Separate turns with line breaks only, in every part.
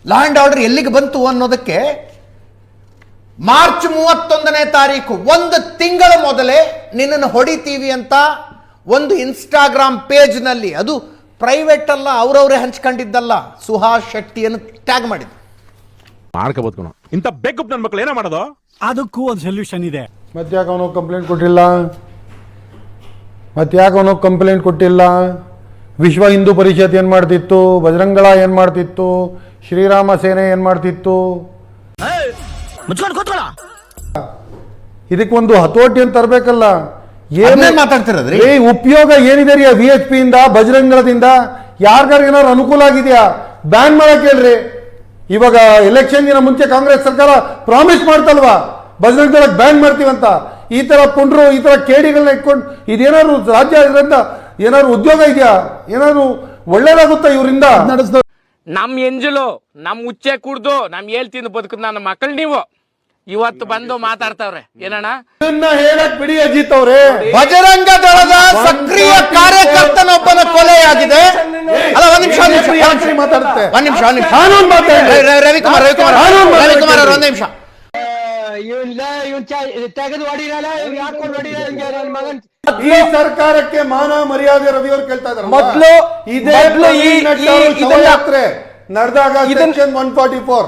Law and order ಎಲ್ಲಿಗೆ ಬಂತು ಅನ್ನೋದಕ್ಕೆ ಮಾರ್ಚ್ 31ನೇ ತಾರೀಕು, ಒಂದು ತಿಂಗಳ ಮೊದಲೇ ನಿನ್ನನ್ನು ಹೊಡಿತೀವಿ ಅಂತ ಒಂದು ಇನ್ಸ್ಟಾಗ್ರಾಮ್ ಪೇಜ್ನಲ್ಲಿ, ಅದು ಪ್ರೈವೇಟ್ ಅಲ್ಲ, ಅವರವರೇ ಹಂಚ್ಕೊಂಡಿದ್ದಲ್ಲ, ಸುಹಾಸ್ ಶೆಟ್ಟಿಯನ್ನು ಟ್ಯಾಗ್ ಮಾಡಿದ್ರು.
ಮಾಡ್ಕೋಬಹುದು ಇಂಥ ಬೇಕಪ್ ನನ್ನ ಮಕ್ಕಳು ಏನೋ ಮಾಡೋದು.
ಅದಕ್ಕೂ ಒಂದು ಸೊಲ್ಯೂಷನ್ ಇದೆ.
ಮತ್ತ್ಯಾಕೆ ಅವನು ಕಂಪ್ಲೇಂಟ್ ಕೊಟ್ಟಿಲ್ಲ? ವಿಶ್ವ ಹಿಂದೂ ಪರಿಷತ್ ಏನು ಮಾಡ್ತಿತ್ತು? ಬಜರಂಗಳ ಏನು ಮಾಡ್ತಿತ್ತು? ಶ್ರೀರಾಮ ಸೇನೆ ಏನು ಮಾಡ್ತಿತ್ತು? ಇದಕ್ಕೊಂದು ಹತೋಟಿ ಅಂತ ತರಬೇಕಲ್ಲ.
ಏನೇ ಮಾತಾಡ್ತಿರೋದ್ರಿ?
ಉಪಯೋಗ ಏನಿದೆ ರೀ VHP ಇಂದ, ಬಜರಂಗಳದಿಂದ? ಯಾರಿಗಾರು ಅನುಕೂಲ ಆಗಿದೆಯಾ? ಬ್ಯಾನ್ ಮಾಡಕ್ ಹೇಳ್ರಿ. ಇವಾಗ ಎಲೆಕ್ಷನ್ಗಿನ ಮುಂಚೆ ಕಾಂಗ್ರೆಸ್ ಸರ್ಕಾರ ಪ್ರಾಮಿಸ್ ಮಾಡ್ತಲ್ವಾ ಬಜರಂಗ ಬ್ಯಾನ್ ಮಾಡ್ತೀವಂತ. ಈ ತರ ಪುಂಡ್ರು, ಈ ತರ ಕೇಡಿಗಳನ್ನ ಇಟ್ಕೊಂಡು ಇದೇನಾದ್ರು ರಾಜ್ಯ, ಇದರಿಂದ ಏನಾದ್ರು ಉದ್ಯೋಗ ಇದೆಯಾ? ಏನಾದ್ರು ಒಳ್ಳೇದಾಗುತ್ತಾ ಇವರಿಂದ?
ನಮ್ ಎಂಜಲು ನಮ್ ಉಚ್ಚೆ ಕುಡ್ದು ನಮ್ ಹೇಳ್ತೀನಿ ಬದುಕುದ್ ನನ್ನ ಮಕ್ಕಳು ನೀವು ಇವತ್ತು ಬಂದು ಮಾತಾಡ್ತಾವ್ರೆ ಏನಣ್ಣ
ಇದನ್ನ ಹೇಳಕ್ ಬಿಡಿ ಅಜಿತ್ ಅವ್ರೆ.
ಬಜರಂಗ ದಳದ ಸಕ್ರಿಯ ಕಾರ್ಯಕರ್ತನೊಬ್ಬನ ಕೊಲೆಯಾಗಿದೆ. ಅಲ್ಲ, ಒಂದ್ ನಿಮಿಷ
ಮಾತಾಡುತ್ತೆ.
ಕಾನೂನು ಮಾತಾಡಿ. ರವಿಕುಮಾರ್ ಅವ್ರ ಒಂದ್ ನಿಮಿಷ.
ಈ ಸರ್ಕಾರಕ್ಕೆ ಮಾನ ಮರ್ಯಾದೆ ರವಿ ಅವರು ಕೇಳ್ತಾ ಇದ್ದಾರೆ.
ಮೊದಲು
ಇದೇ ಯಾತ್ರೆ ನಡೆದಾಗ ಸೆಕ್ಷನ್ 144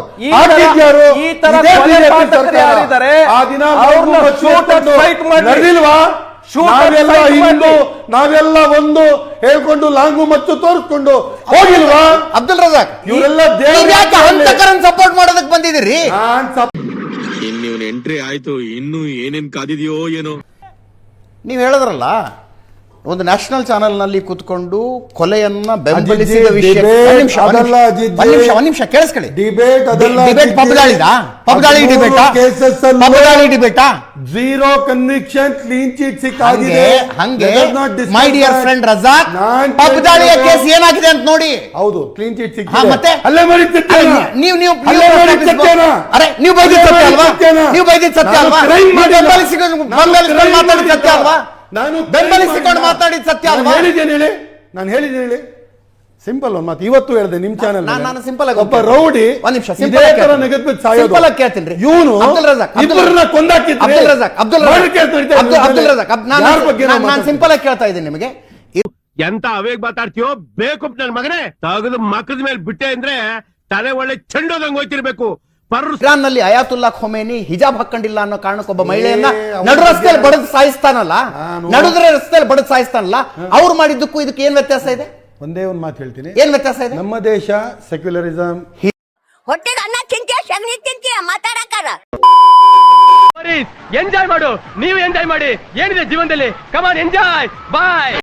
ಆ ದಿನ ನಡೆದಿಲ್ವಾ? ನಾವೆಲ್ಲ ಒಂದು ಹೇಳ್ಕೊಂಡು ಲಾಂಗು ಮತ್ತು ತೋರಿಸ್ಕೊಂಡು ಹೋಗಿಲ್ವಾ?
ಅಬ್ದುಲ್ ರಜಾಕ್,
ಇವರೆಲ್ಲ
ಸಪೋರ್ಟ್ ಮಾಡೋದಕ್ಕೆ ಬಂದಿದ್ದೀರಿ.
ಇನ್ನು ಎಂಟ್ರಿ ಆಯ್ತು, ಇನ್ನು ಏನೇನ್ ಕಾದಿದೆಯೋ ಏನೋ.
ನೀವು ಹೇಳಿದ್ರಲ್ಲ, ಒಂದು ನ್ಯಾಷನಲ್ ಚಾನೆಲ್ ನಲ್ಲಿ ಕೂತ್ಕೊಂಡು ಕೊಲೆಯನ್ನ ಬೆಂಬಲಿಸಿದ ವಿಷಯ. ಒಂದ್ ನಿಮಿಷ ಕೇಳಿಸ್ಕೊಳ್ಳಿ. ಡಿಬೇಟ್ ಪಬ್ದಾಳಿ ಡಿಬೇಟಾ
ಝೀರೋ ಕನ್ವಿಕ್ಷನ್ ಕ್ಲೀನ್ ಚೀಟ್ ಸಿಕ್ಕಾಗಿದೆ.
ಹಂಗೆ ಮೈ ಡಿಯರ್ ಫ್ರೆಂಡ್ ರಜಾಕ್, ಪಬ್ದಾಳಿಯ ಕೇಸ್ ಏನಾಗಿದೆ ಅಂತ ನೋಡಿ.
ಹೌದು, ಕ್ಲೀನ್ ಚೀಟ್ ಸಿಕ್ಕಿದೆ.
ಮತ್ತೆ
ಅಲ್ಲೇ ಮಾಡಿದ್ದು
ನೀವು ಬೈದಿದ್ದು ಸತ್ಯ ಅಲ್ವಾ? ನೀವು ಬೈದಿದ್ದು ಸತ್ಯ ಅಲ್ವಾ? ಮಾತಾಡಿದ ಸತ್ಯ ಅಲ್ವಾ?
ನಾನು
ಬೆಂಬಲಿಸಿಕೊಂಡು ಮಾತಾಡಿದ ಸತ್ಯ ಅಲ್ವಾ?
ನಾನು ಹೇಳಿದ್ದೇನೆ ಹೇಳಿ. ಸಿಂಪಲ್ ಒಂದು ಮಾತು ಇವತ್ತು ಹೇಳಿದೆ ನಿಮ್ ಚಾನೆಲ್.
ನಾನು ಸಿಂಪಲ್ ಆಗಿ
ಒಬ್ಬ ರೌಡಿ
ಒಂದ್ ನಿಮಿಷ
ಸಿಂಪಲ್ ಆಗಿ
ಕೇಳ್ತೀನಿ.
ಇವನು
ಅಬ್ದುಲ್ ರಜಾಕ್ ನಾನು ಸಿಂಪಲ್ ಆಗಿ ಕೇಳ್ತಾ ಇದ್ದೀನಿ ನಿಮಗೆ.
ಎಂತ ಅವೇಗ್ ಮಾತಾಡ್ತೀಯೋ ಬೇಕು ನನ್ನ ಮಗನೇ. ತಗದು ಮಕ್ಕದ ಮೇಲೆ ಬಿಟ್ಟೆ ಅಂದ್ರೆ ತಲೆ ಒಳ್ಳೆ ಚೆಂಡೋದಂಗ್ ಹೋಯ್ತಿರ್ಬೇಕು.
ಇರಾನ್ ನಲ್ಲಿ ಅಯಾತುಲ್ಲಾ ಖೊಮೇನಿ ಹಿಜಾಬ್ ಹಾಕೊಂಡಿಲ್ಲ ಅನ್ನೋ ಕಾರಣಕ್ಕೆ ಒಬ್ಬ ಮಹಿಳೆಯನ್ನ ನಡು ರಸ್ತೆಯಲ್ಲಿ ಬಡದು ಸಾಯಿಸ್ತಾನಲ್ಲ, ರಸ್ತೆಯಲ್ಲಿ ಬಡದು ಸಾಯಿಸ್ತಾನಲ್ಲ, ಅವ್ರು ಮಾಡಿದ್ದಕ್ಕೂ ಇದಕ್ಕೆ ಏನ್ ವ್ಯತ್ಯಾಸ ಇದೆ?
ಒಂದೇ ಒಂದು ಮಾತು ಹೇಳ್ತೀನಿ.
ಏನ್ ವ್ಯತ್ಯಾಸ ಇದೆ?
ನಮ್ಮ ದೇಶ ಸೆಕ್ಯುಲರಿಸಂ.
ಹೊಟ್ಟೆಗೆ ಅನ್ನ ತಿಂತೀಯ, ಸಗಣಿ ತಿಂತೀಯ, ಮಾತಾಡಕ್ಕಾರ.
ಎಂಜಾಯ್ ಮಾಡು, ನೀವು ಎಂಜಾಯ್ ಮಾಡಿ. ಏನಿದೆ ಜೀವನದಲ್ಲಿ? Come on enjoy. ಬಾಯ್.